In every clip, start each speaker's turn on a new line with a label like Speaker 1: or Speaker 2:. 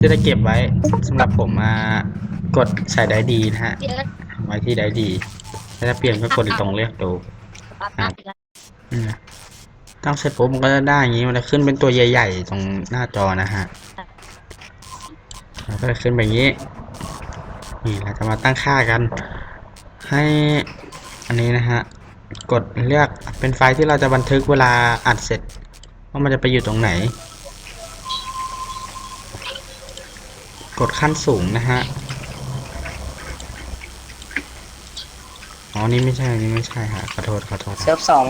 Speaker 1: ที่จะเก็บไว้สำหรับผมมากดใส่ได้ดีนะฮะไว้ที่ได้ดีถ้าจะเปลี่ยนก็กดตรงเลือกดูตั้งเสร็จปุ๊บมันก็จะได้อย่างนี้มันจะขึ้นเป็นตัวใหญ่ๆตรงหน้าจอนะฮะแล้วก็จะขึ้นแบบนี้นี่เราจะมาตั้งค่ากันให้อันนี้นะฮะกดเลือกเป็นไฟล์ที่เราจะบันทึกเวลาอัดเสร็จว่ามันจะไปอยู่ตรงไหนกดขั้นสูงนะฮะอ๋อนี่ไม่ใช่นี่ไม่ใช่ฮะขอโทษ
Speaker 2: เซิร์ฟสอง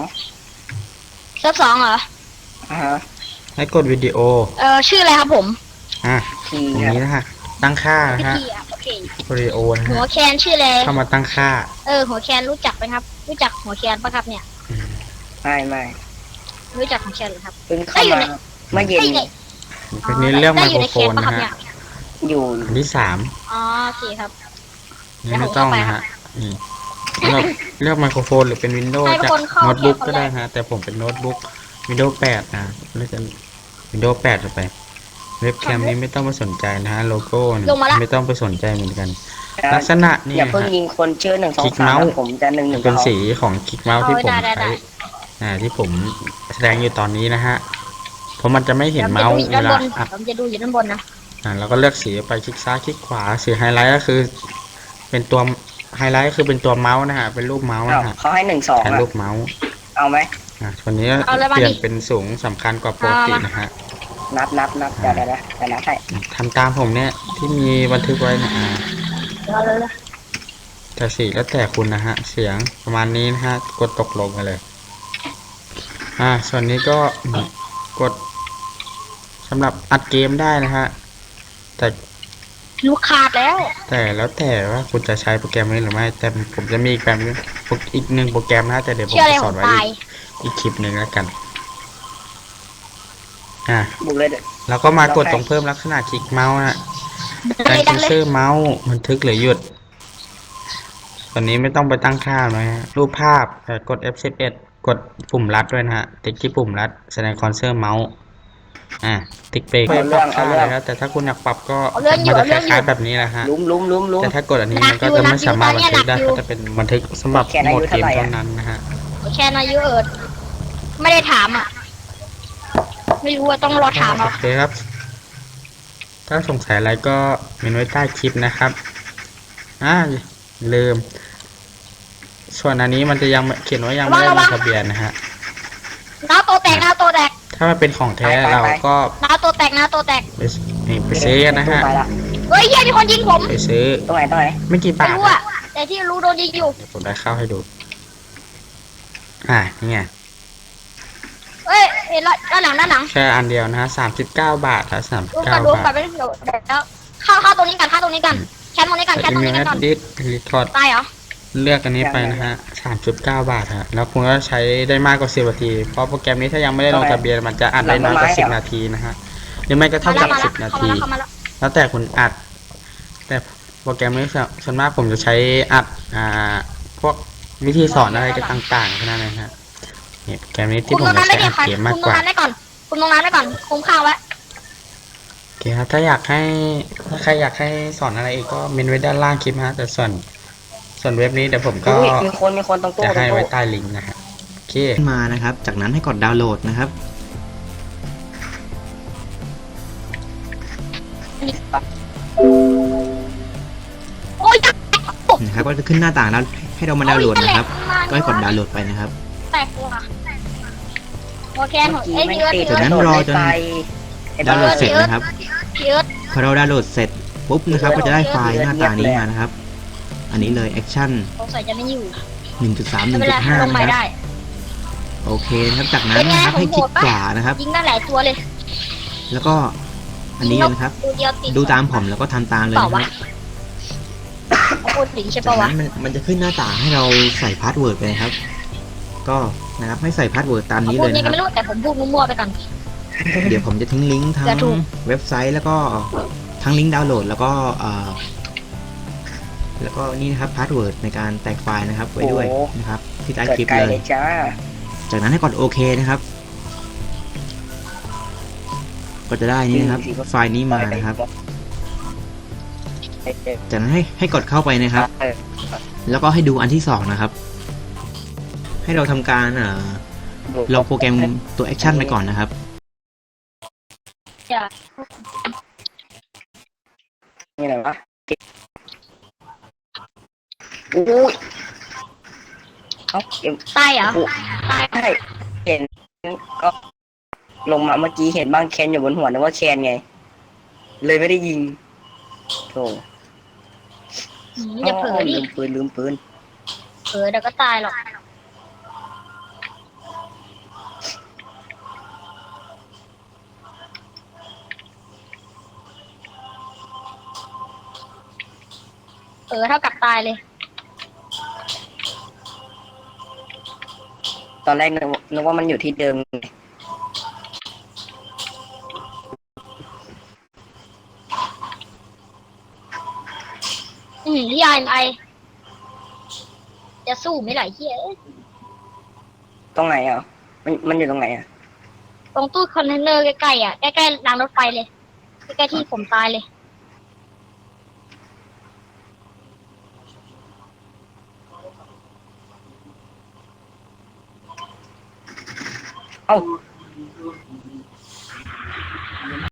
Speaker 2: เหรอ
Speaker 1: ให้กดวิดีโอ
Speaker 2: ชื่ออะไรครับผม
Speaker 1: ตรงนี้นะฮะตั้งค่านะฮะวิดีโอนะฮะ
Speaker 2: หัวแคนชื่ออะไร
Speaker 1: เข้ามาตั้งค่า
Speaker 2: หัวแคนรู้จักไหมครับรู้จักหัวแคนปะครับเนี่ยไม่รู้จักหัวแคนหรือครับ
Speaker 3: เพิ่งเข้ามาเมื่อเย็น
Speaker 1: เป็นนี้เรื่องไมโครโฟนนะฮะ
Speaker 3: อยู่
Speaker 1: อันที่
Speaker 2: โอเคครับ
Speaker 1: นี่ไม่ต้องนะฮะนี่เลือกไมโครโฟนหรือเป็นวินโดว์จากโน้ตบุ๊กก็ได้ฮะแต่ผมเป็นโน้ตบุ๊กวินโดว์8นะเลือกวินโดว์8ไปเว็บแคมนี้ไม่ต้องไปสนใจนะฮะโลโก้ไม่ต้องไปสนใจเหมือนกันลักษณะนี่
Speaker 3: อย่าเพิ่งยิงคนชื่อ1 2 3ผมจะ1 1
Speaker 1: เป็นสีของคลิกเมาส์ที่ผมใช้ที่ผมแสดงอยู่ตอนนี้นะฮะเพราะมันจะไม่เห็นเมาส์เวลา
Speaker 2: ผมจะดูอยู่ด้านบนนะ
Speaker 1: แล้วก็เลือกสีไปคลิกซ้ายคลิกขวาสีไฮไลท์ก็คือเป็นตัวไฮไลท์คือเป็นตัวเมาส์นะฮะเป็นรูปเมาส์นะฮะ
Speaker 3: เขาให้1 2
Speaker 1: เป็นรูปเมาส์
Speaker 3: เอาไหม
Speaker 1: วันนี้เปลี่ยนเป็นสูงสำคัญกว่าปกตินะฮะ
Speaker 3: นับเดี๋ยวให้
Speaker 1: ทำตามผมเนี่ยที่มีบันทึกไว้นะแต่สีแล้วแต่คุณนะฮะเสียงประมาณนี้นะฮะกดตกลงกันเลยส่วนนี้ก็กดสำหรับอัดเกมได้นะฮะแต่
Speaker 2: ลูกขาดแล้ว
Speaker 1: แต่ว่าคุณจะใช้โปรแกรมนี้หรือไม่แต่ผมจะมีอีกแบบนึงอีกหนึ่งโปรแกรมนะแต่เดี๋ยวผมจะสอนไว้อีกคลิปหนึ่งแล้วกันแล้วก็มากดตรงเพิ่มลักษณะคลิกเมาส์นะการเซ็นเซอร์เมาส์บันทึกหรือหยุดตอนนี้ไม่ต้องไปตั้งค่าเลยฮะรูปภาพกด F11 กดปุ่มลัดด้วยนะฮะติ๊กที่ปุ่มลัดแสดงคอนเซอร์เมาส์ติ๊กเบรกปรับค่าอะไรแล้วแต่ถ้าคุณอยากปรับก็มันจะคล้ายๆแบบนี้แหละฮะแต่ถ้ากดอันนี้มันก็จะไม่สามารถบันทึกได้ก็จะเป็นบันทึกสำหรับโหมดเกมเท่านั้นนะฮะ
Speaker 2: แค่อายุไม่ได้ถามไม่รู้ว่าต้องรอถาม
Speaker 1: โอเคครับถ้าสงสัยอะไรก็เมนไว้ใต้คลิปนะครับลืมส่วนอันนี้มันจะยังเขียนว่ายังไม่ได้ลงทะเบียนนะฮะ
Speaker 2: น้าโตแตก
Speaker 1: ถ้ามันเป็นของแท้เราก็
Speaker 2: น้าโตแตก
Speaker 1: ไปซื้อนะฮะ
Speaker 2: เฮ้ยมีคนยิงผม
Speaker 1: ไปซื้อ
Speaker 3: ตรงไหน
Speaker 1: ไม่กี่บาท
Speaker 2: แต่ที่รู้โดนยิงอยู่
Speaker 1: ผมได้เข้าให้ดูนี่ไง
Speaker 2: ด้านหลัง
Speaker 1: แค่อันเดียวนะฮะ39 บาทครับ39 บาท
Speaker 2: แล้วเข้าตรงนี้กันแคมตรงนี้กัน
Speaker 1: รีคอร์ด
Speaker 2: ตายเหรอ
Speaker 1: เลือกอันนี้ไปนะฮะ39 บาทฮะแล้วคุณก็ใช้ได้มากกว่า10 นาทีเพราะโปรแกรมนี้ถ้ายังไม่ได้ลงทะเบียนมันจะอัดได้น้อยกว่า10 นาทีนะฮะหรือไม่ก็เท่ากับ10 นาทีแล้วแต่คุณอัดแต่โปรแกรมนี้ส่วนมากผมจะใช้อัดพวกวิธีสอนอะไรก็ต่างๆแค่นั้นเองฮะเนี่ยโปรแกรมนี้ที่ผมจะใช้อัดเกมมากกว่า
Speaker 2: คุณลงน้ำได้ก่อนคุมข้าวไว้
Speaker 1: โอเคครับถ้าใครอยากให้สอนอะไรอีกก็เมนไว้ด้านล่างคลิปฮะแต่ส่วนเว็บนี้เดี๋ยวผมก็
Speaker 3: มีคนตรงตู้
Speaker 1: จะให้ไว้ใต้ลิงก์นะฮะโอเค
Speaker 4: มานะครับจากนั้นให้กดดาวน์โหลดนะครับนะครับก็จะขึ้นหน้าต่างแล้วให้เรามาดาวน์โหลดนะครับก็ให้กดดาวน์โหลดไปนะครับ
Speaker 2: โอเค
Speaker 4: จากนั้นรอจนดาวน์โหลดเสร็จนะครับพอเราดาวน์โหลดเสร็จปุ๊บนะครับก็จะได้ไฟล์หน้าตานี้มานะครับอันนี้เลย Action 1.3 1.5 นะครับโอเคนะครับจากนั้นนะครับให้คลิกขวานะครับ
Speaker 2: ยิงได้หลายตัวเลย
Speaker 4: แล้วก็อันนี้นะครับดูตามผมแล้วก็ทำตามเลยนะครับจากนั้นมันจะขึ้นหน้าต่างให้เราใส่พาสเวิร์ดไปครับก็นะครับให้ใส่พาสเวิร์ดตามนี้เลยนะครับ
Speaker 2: แต่ผมพูดมั่วๆไปก่อน
Speaker 4: เดี๋ยวผมจะทิ้งลิงก์ทั้งเว็บไซต์แล้วก็ทั้งลิงก์ดาวน์โหลดแล้วก็นี่นะครับพาสเวิร์ดในการแตกไฟล์นะครับไว้ด้วยนะครับที่ใต้คลิปเลยจากนั้นให้กดโอเคนะครับก็จะได้นี่นะครับ ไฟล์นี้มานะครับ จากนั้นให้กดเข้าไปนะครับ แล้วก็ให้ดูอันที่สองนะครับ ให้เราทำการลองโปรแกรมตัวแอคชั่นไปก่อนนะครับ
Speaker 2: จะ
Speaker 3: นี่ไหนวะอุ้ยเอาเก็บ
Speaker 2: ตายเหรอตาย
Speaker 3: ใช่เห็นก็ลงมาเมื่อกี้เห็นบ้างแคนอยู่บนหัวนึกว่าแคนไง เลยไม่ได้ยิงโธ่
Speaker 2: อย่าเผลอดิ
Speaker 3: ลืมปืน
Speaker 2: เผลอเดี๋ยวก็ตายหรอกเท่ากับตายเลย
Speaker 3: ตอนแรกนึกว่ามันอยู่ที่เดิม
Speaker 2: ที่ไอจะสู้ไม่ไหลเฮีย
Speaker 3: ตรงไหนอ่ะมันอยู่ตรงไหนอ่ะ
Speaker 2: ตรงตู้คอนเทนเนอร์ใกล้ๆอ่ะใกล้ๆรางรถไฟเลยใกล้ๆที่ผมตายเลย
Speaker 3: เอ้า